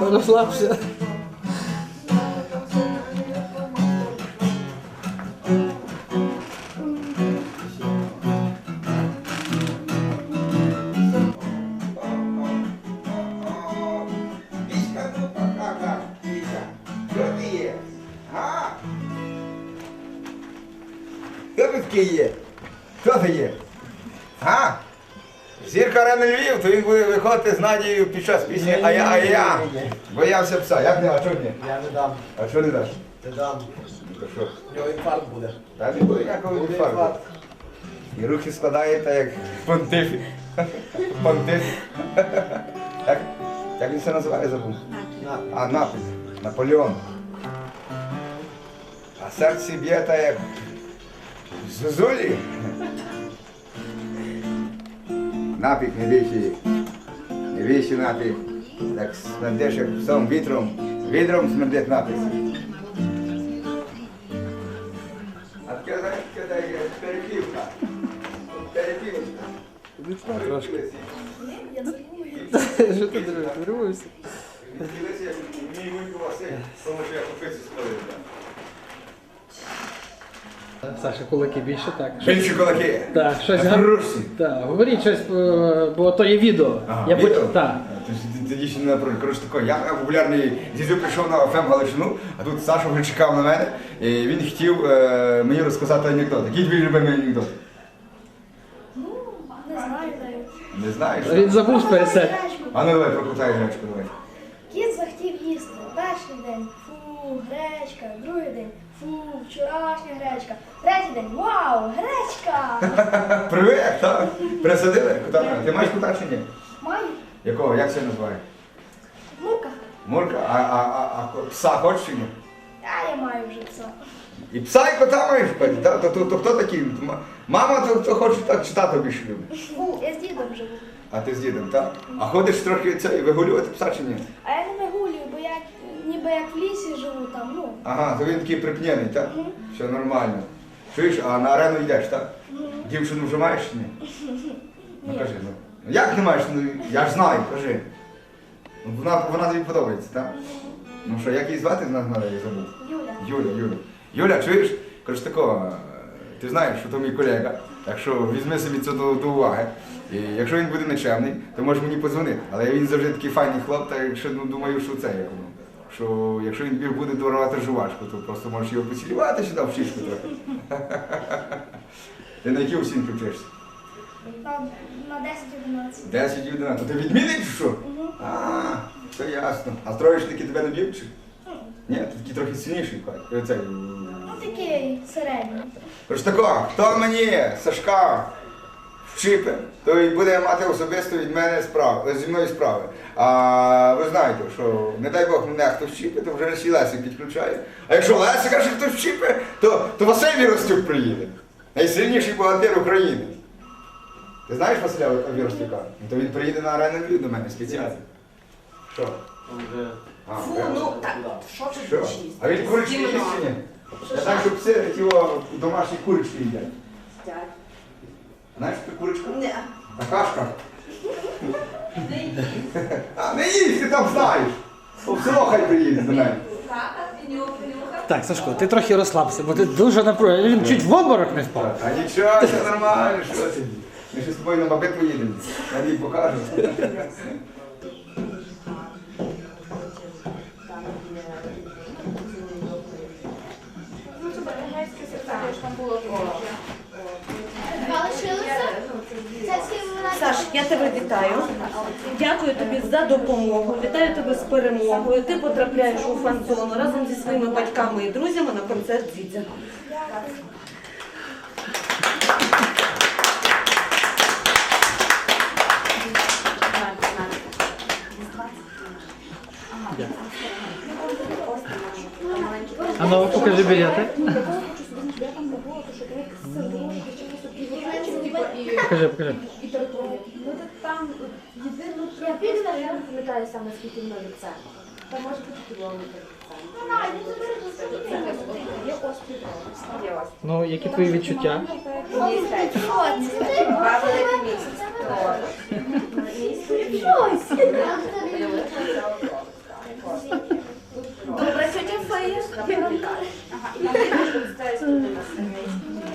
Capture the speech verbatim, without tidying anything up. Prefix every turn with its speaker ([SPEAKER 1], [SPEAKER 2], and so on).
[SPEAKER 1] розслабся.
[SPEAKER 2] Хто тут такий є? Хто це є? А? Зірка Арени Львів, то він буде виходити з Надією під час пісні «А я, а я». Боявся пса. Як не? А чого ні?
[SPEAKER 3] Я не дам.
[SPEAKER 2] А що не даш?
[SPEAKER 3] Не дам.
[SPEAKER 2] То що?
[SPEAKER 3] У нього інфаркт буде.
[SPEAKER 2] Та не буде ніякого
[SPEAKER 3] Буде
[SPEAKER 2] інфаркту.
[SPEAKER 3] інфаркт.
[SPEAKER 2] І руки складаєте як понтифік. Понтифік. Як, як він це називає, забув?
[SPEAKER 3] На.
[SPEAKER 2] А, напис. Наполеон. А серце б'є та як зозулі. Напік не більший. Не більший напік. Так смердиш як псом вітром. Вітром смердить напис. А таке, знаєш, таке є перепівка. Перепівка.
[SPEAKER 1] Трошки. Що ти дивишся?
[SPEAKER 2] Дивися, як мій вуйко Василь, тому що я купицю сходив.
[SPEAKER 1] Саша, кулаки більше, так.
[SPEAKER 2] Більші кулаки.
[SPEAKER 1] Так, щось
[SPEAKER 2] А
[SPEAKER 1] гар-
[SPEAKER 2] хороші.
[SPEAKER 1] Так, говоріть щось, е, бо то є відео.
[SPEAKER 2] Ага,
[SPEAKER 1] Я
[SPEAKER 2] відео?
[SPEAKER 1] потім- Так.
[SPEAKER 2] А, Тоді тоді ще не напроти. Коротше тако, я популярний дідю прийшов на еф ем Галичину, а тут Саша вже чекав на мене, і він хотів е, мені розказати анекдот. Який твій любимий анекдот?
[SPEAKER 4] Ну, не знаю навіть.
[SPEAKER 2] Не знаєш?
[SPEAKER 1] Він забув пересек.
[SPEAKER 2] А ну давай, прокрутай гречку, давай.
[SPEAKER 4] Кіт захотів їсти. Перший день фу, гречка, другий день фу, вчорашня гречка. Третій день вау, гречка!
[SPEAKER 2] Привіт, так? Присадили? Кота? Ти маєш кота чи ні?
[SPEAKER 4] Маю
[SPEAKER 2] Якого? Як це називає?
[SPEAKER 4] мурка.
[SPEAKER 2] Мурка? А, а, а, а пса хочеш чи ні?
[SPEAKER 4] А я маю вже пса.
[SPEAKER 2] І пса, і кота маєш пити, так? То, то, то хто такий? М- Мама, то хто хоче так читати більше любить.
[SPEAKER 4] Фу, я з дідом живу.
[SPEAKER 2] А ти з дідом, так? А ходиш трохи це, вигулювати пса чи ні?
[SPEAKER 4] А я не вигулюю, бо я ніби як в лісі живу там, ну.
[SPEAKER 2] Ага, то він такий припнений, так?
[SPEAKER 4] Мгм.
[SPEAKER 2] Все нормально. Чуєш, а на арену йдеш, так?
[SPEAKER 4] Мгм.
[SPEAKER 2] Дівчину вже маєш чи ні? Ну
[SPEAKER 4] Ні.
[SPEAKER 2] кажи, ну. Ну, як не маєш? Ну я ж знаю, кажи. Ну, Вона, вона тобі подобається, так? Ну що, як її звати, знаю, я забув.
[SPEAKER 4] Юля.
[SPEAKER 2] Юля, Юля. Юля, чуєш? Коротше такого, ти знаєш, що то мій колега, так що візьми собі це до, до уваги. І якщо він буде нечемний, то можеш мені подзвонити. Але він завжди такий файний хлоп, та якщо ну, думаю, що це як воно. Що якщо він тобі буде дарувати жувачку, то просто можеш його поцілювати сюди в щічку трохи. Ти на які оцінки вчишся?
[SPEAKER 4] Там на десять-одинадцять.
[SPEAKER 2] десять одинадцять. То ти відмінний чи що?
[SPEAKER 4] Мгм.
[SPEAKER 2] А, все ясно. А троєшники тебе не б'ють чи? Ні, ти такий трохи сильніший. Цей,
[SPEAKER 4] Ну такий середній.
[SPEAKER 2] Тож тако, хто мені, Сашка, вчипе, то й буде мати особисто від мене справи, зі мною справи. А ви знаєте, що не дай Бог мене хтось вчипе, то вже всі Лесик підключає. А якщо Лесика ще хтось вчипе, то, то Василь Віростюк приїде. Найсильніший богатир України. Ти знаєш Василя Віростюка? Ну, то він приїде на арену Львів до мене спеціально. Що? А,
[SPEAKER 5] Фу,
[SPEAKER 2] прямо.
[SPEAKER 5] ну так, що ж
[SPEAKER 2] Що?
[SPEAKER 5] більшість?
[SPEAKER 2] А він курочки їсть чи ні? Я знаю, що пси його домашні курочки їдять. Знаєш, що це курочка?
[SPEAKER 5] Ні.
[SPEAKER 2] А кашка? А, не їсть, ти там знаєш. В село хай приїде до мене.
[SPEAKER 1] Так, Сашко, ти трохи розслабся, бо ти дуже напружений. Він чуть в обморок не впав.
[SPEAKER 2] А нічого, все нормально, що ти? Ми ще з тобою на бабит поїдемо. Я їй покажу.
[SPEAKER 5] Саш, я тебе вітаю. Дякую тобі за допомогу. Вітаю тебе з перемогою. Ти потрапляєш у фан-зону разом зі своїми батьками і друзями на концерт Дзідзя.
[SPEAKER 1] А ну, покажи білети. Покажи, покажи.
[SPEAKER 6] Там єдино я піду, я не пам'ятаю саме скільки воно від це. Там може бути кілометр від це. Є острів. Є острів.
[SPEAKER 1] Ну, які твої відчуття?
[SPEAKER 5] Два великі місяці. Добре, тетя Фея.
[SPEAKER 6] Ага, і там буде з цієї сторони на сервейській.